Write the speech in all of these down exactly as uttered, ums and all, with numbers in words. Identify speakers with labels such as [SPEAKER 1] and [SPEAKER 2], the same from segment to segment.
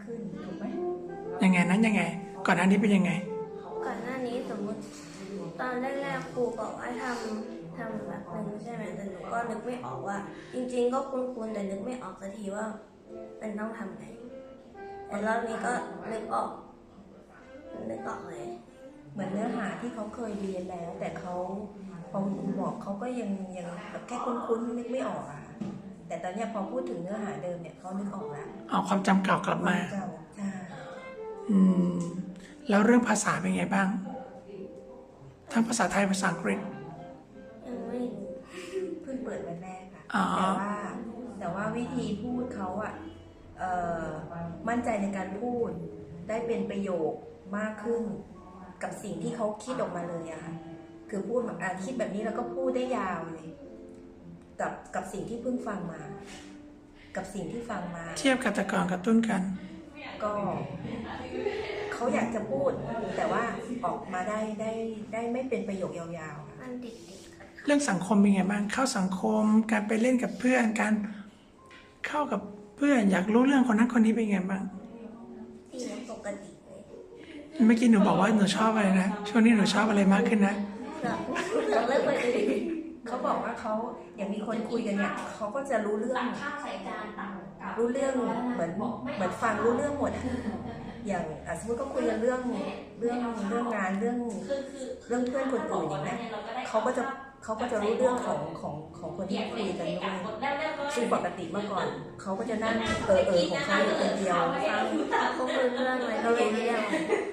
[SPEAKER 1] ขึ้นถูกไหม
[SPEAKER 2] ยังไงนั้นยังไงก่อนหน้านี้เป็นยังไง
[SPEAKER 3] ก่อนหน้านี้สมมติตอนแรกๆครูบอกให้ทำทำแบบหนึ่งใช่ไหมแต่หนูก็นึกไม่ออกว่า จริงๆก็คุ้นๆแต่นึกไม่ออกสักทีว่าเป็นต้องทำไงแต่รอบนี้ก็นึกออกนึกออกเลย
[SPEAKER 1] เหมือนเนื้อหาที่เขาเคยเรียนแล้วแต่เขาพอคุณบอกเขาก็ยังยังแบบแค่คุ้นๆนึกไม่ออกอะแต่ตอนนี้พอพูดถึงเนื้อหาเดิมเนี่ยเขานึกออกแล้ว
[SPEAKER 2] เอาความจำเก่ากลับมา
[SPEAKER 1] จำใช่
[SPEAKER 2] อืมแล้วเรื่องภาษาเป็นไงบ้างทั้งภาษาไทยภาษาอังกฤษ
[SPEAKER 3] ยังไม่
[SPEAKER 1] เพิ่งเปิดวันแรกค่ะแต่ว่าแต่ว่าวิธีพูดเขาอะมั่นใจในการพูดได้เป็นประโยคมากขึ้นกับสิ่งที่เขาคิดออกมาเลยอะค่ะคือพูดแบบอ่านคิดแบบนี้แล้วก็พูดได้ยาวเลยกับกับสิ่งที่เพิ่งฟังมากับสิ่งที่ฟังมา
[SPEAKER 2] เทียบกับแต่ก่อนกับต้นกัน
[SPEAKER 1] ก็เขาอยากจะพูดแต่ว่าออกมาได้ได้ได้ไม่เป็นประโยคยาวๆ
[SPEAKER 3] มันติด
[SPEAKER 2] เรื่องสังคมเป็นไงบ้างเข้าสังคมการไปเล่นกับเพื่อนการเข้ากับเพื่อนอยากรู้เรื่องคนนั้นคนนี้เป็นไงบ้าง
[SPEAKER 3] ดีปกติเลย
[SPEAKER 2] เมื่อกี้หนูบอกว่าหนูชอบอะไรนะช่วงนี้หนูชอบอะไรมากขึ้นนะ
[SPEAKER 3] เราเลิกไปเลย
[SPEAKER 1] เขาบอกว่าเขาอย่างมีคนคุยกันเนี่ยเขาก็จะรู้เรื่องรู้เรื่องเหมือนเหมือนฟังรู้เรื่องหมดอย่างสมมติก็คุยกันเรื่องเรื่องเรื่องงานเรื่องเรื่องเพื่อนคนอื่นอย่างเงี้ยเขาก็จะเขาก็จะรู้เรื่องของของของคนที่คุยกันด้วยซึ่งปกติเมื่อก่อนเขาก็จะนั่งเออเออของเขาอยู่คนเดียว
[SPEAKER 3] ฟังเขาคุยเรื่องอะไรเขารู้เรื่อง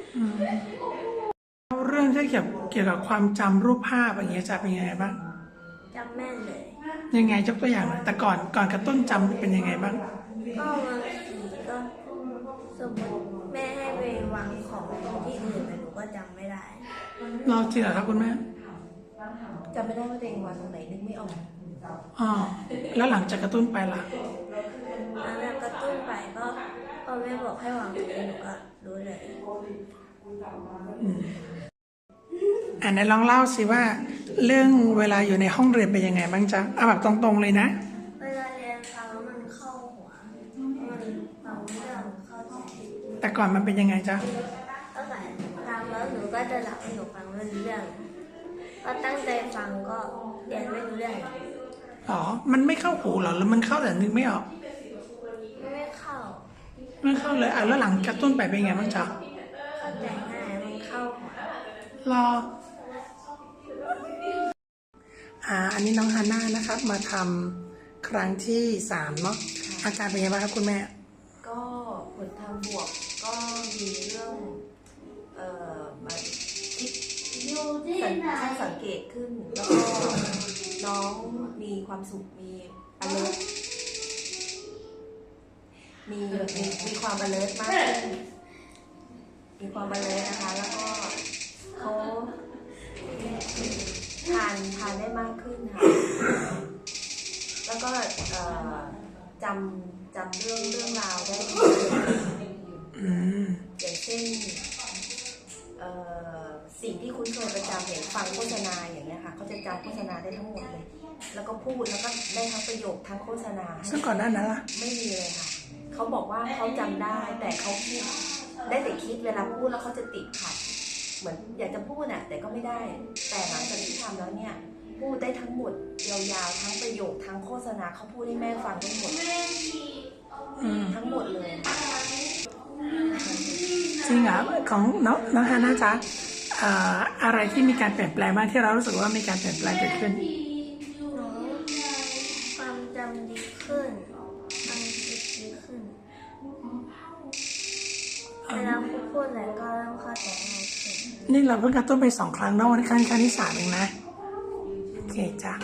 [SPEAKER 2] เรื่องที่เกี่ยวเกี่ยวกับความจำรูปภาพอย่างเงี้ยจะเป็นยังไงบ้าง
[SPEAKER 3] จำแม่นเลย
[SPEAKER 2] ยังไงยกตัวอย่างหน่อยแต่ก่อนก่อนกระตุ้นจำเป็นยังไงบ้าง
[SPEAKER 3] ก็บางทีก็สมมติแม่ให้ไปวางของที่อื่นแต่หนูก็จำไม่ได้
[SPEAKER 2] เราจริงเหรอครับคุณแม่
[SPEAKER 1] จำไม่ได้ว่าตัวเองวางตรงไหนนึกไม่ออก
[SPEAKER 2] อ๋อแล้วหลังจากกระตุ้นไปล่ะ
[SPEAKER 3] หลังจากกระตุ้นไปก็พอแม่บอกให้วางตรงนี้หนูก็รู้เลย
[SPEAKER 2] อ่านไหนลองเล่าสิว่าเรื่องเวลาอยู่ในห้องเรียนเป็นยังไงบ้างจ๊ะเอาแบบตรงๆเลยนะ
[SPEAKER 3] เวลาเรียนฟังแล้วมันเข้าหัวมันฟังเรื่องเข้าใจ
[SPEAKER 2] แต่ก่อนมันเป็นยังไงจ๊ะ
[SPEAKER 3] ก็แบบฟังแล้วหนูก็จะหลับหนูฟังไม่รู้เรื่องก็ตั้งใจฟังก็เรียนไม่รู้เรื่อง
[SPEAKER 2] อ๋อมันไม่เข้าหูหรอหรือมันเข้าแต่นึกไม่ออก
[SPEAKER 3] ไม่เข้า
[SPEAKER 2] ไม่เข้าเลยอ่ะแล้วหลังกระตุ้นไปเป็นไงบ้างจ๊ะ
[SPEAKER 3] เข้าใจง่ายมันเข้าหัว
[SPEAKER 2] รออ่าอันนี้น้องฮาน่านะครับมาทำครั้งที่สามเนาะอาการเป็นยังไงบ้างครับคุณแม่
[SPEAKER 1] ก็ผลทางบวกก็มีเรื่องเอ่อมาคิดสังสังเกตขึ้นแล้วก็น้องมีความสุขมี alert มีมีมีความ alert มากขึ้นมีความ alert นะคะแล้วก็เขาทานทานได้มากขึ้นค่ะแล้วก็จำจำเรื่องเรื่องราวได้อย่างเช่นสิ่งที่คุ้นเคยประจำอย่างฟังโฆษณาอย่างเงี้ยค่ะเขาจะจำโฆษณาได้ทั้งหมดเลยแล้วก็พูดแล้วก็ได้ทั้งประโยคทั้งโฆษณา
[SPEAKER 2] ซึ่งก่อนหน้านั้นล่ะ
[SPEAKER 1] ไม่มีเลยค่ะเขาบอกว่าเขาจำได้แต่เขาคิดได้แต่คิดเวลาพูดแล้วเขาจะติดขัดเหมือนอยากจะพูดน่ะแต่ก็ไม่ได้แต่หลังจากที่ทำแล้วเนี่ยพูดได้ทั้งหมดยาวๆทั้งประโยคทั้งโฆษณาเขาพูดให้แม่ฟังทั้งหมดทั้งหมดเลย
[SPEAKER 2] จริงเหรอของน้องน้องฮาน่าจ๊ะอะไรที่มีการเปลี่ยนแปลงบ้างที่เรารู้สึกว่ามีการเปลี่ยนแปลงเกิดขึ้น
[SPEAKER 3] ความจำดีขึ้นความคิดดีขึ้นเวลาพูดอะไรก็เริ่มเข้าใจง่ายขึ้น
[SPEAKER 2] นี่เราเพิ่งกระตุ้นไปสองครั้งเนาะวันนี้ครั้งครั้งที่สามเองนะโอเคจ้ะ